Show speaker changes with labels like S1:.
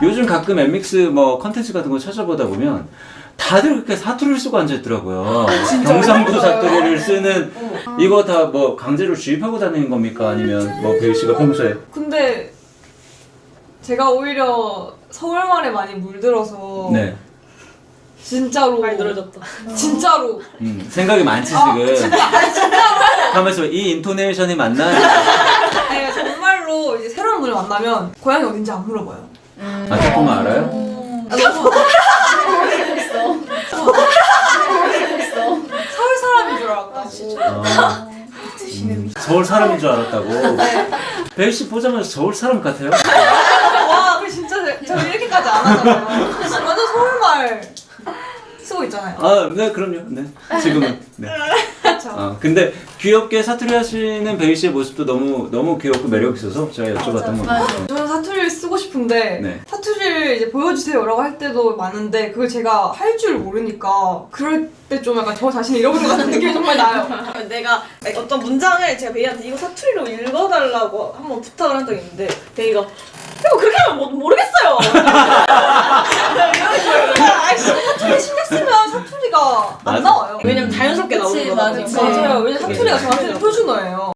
S1: 요즘 가끔 엠믹스 뭐 컨텐츠 같은 거 찾아보다 보면 다들 그렇게 사투리를 쓰고 앉아있더라고요. 경상도 사투리를 쓰는 이거 다 뭐 강제로 주입하고 다니는 겁니까? 아니면 뭐 배우 씨가 평소에?
S2: 근데 제가 오히려 서울말에 많이 물들어서
S1: 네.
S2: 진짜로
S3: 많이 늘어졌다.
S2: 진짜로
S1: 생각이 많지 지금. 가만있어. 이 인토네이션이 맞나?
S2: 아니 정말로 이제 새로운 분을 만나면 고향이 어딘지 안 물어봐요.
S1: 아 조금만 알아요?
S2: 아, 너무 서울 사람인 줄 알았다.
S1: 서울 사람인 줄 알았다고. 배우 씨 보자마자 서울 사람 같아요.
S2: 와, 그 진짜 저 이렇게까지 안 하잖아요. 완전 서울말 쓰고 있잖아요.
S1: 아, 네, 그럼요. 네. 지금은. 네.
S2: 그렇죠.
S1: 근데 귀엽게 사투리 하시는 배우 씨의 모습도 너무 귀엽고 매력 있어서 제가 여쭤봤던 겁니다.
S2: 저는 사투리를 쓰고 싶은데
S1: 네.
S2: 사투리를 이제 보여주세요라고 할 때도 많은데 그걸 제가 할 줄 모르니까 그럴 때 좀 약간 저 자신을 잃어버린 것 같은 느낌이 정말 나요.
S3: 내가 어떤 문장을 제가 베이한테 이거 사투리로 읽어달라고 한번 부탁을 한 적이 있는데 베이가 이거 그렇게 하면 모르겠어요.
S2: 아이씨 사투리 신경 쓰면 사투리가
S1: 맞아.
S2: 안 나와요.
S3: 왜냐면 자연스럽게 나오는
S4: 그치,
S3: 거다
S4: 맞아.
S3: 보니까.
S2: 맞아요. 왜냐면 사투리가 저한테는 표준어예요.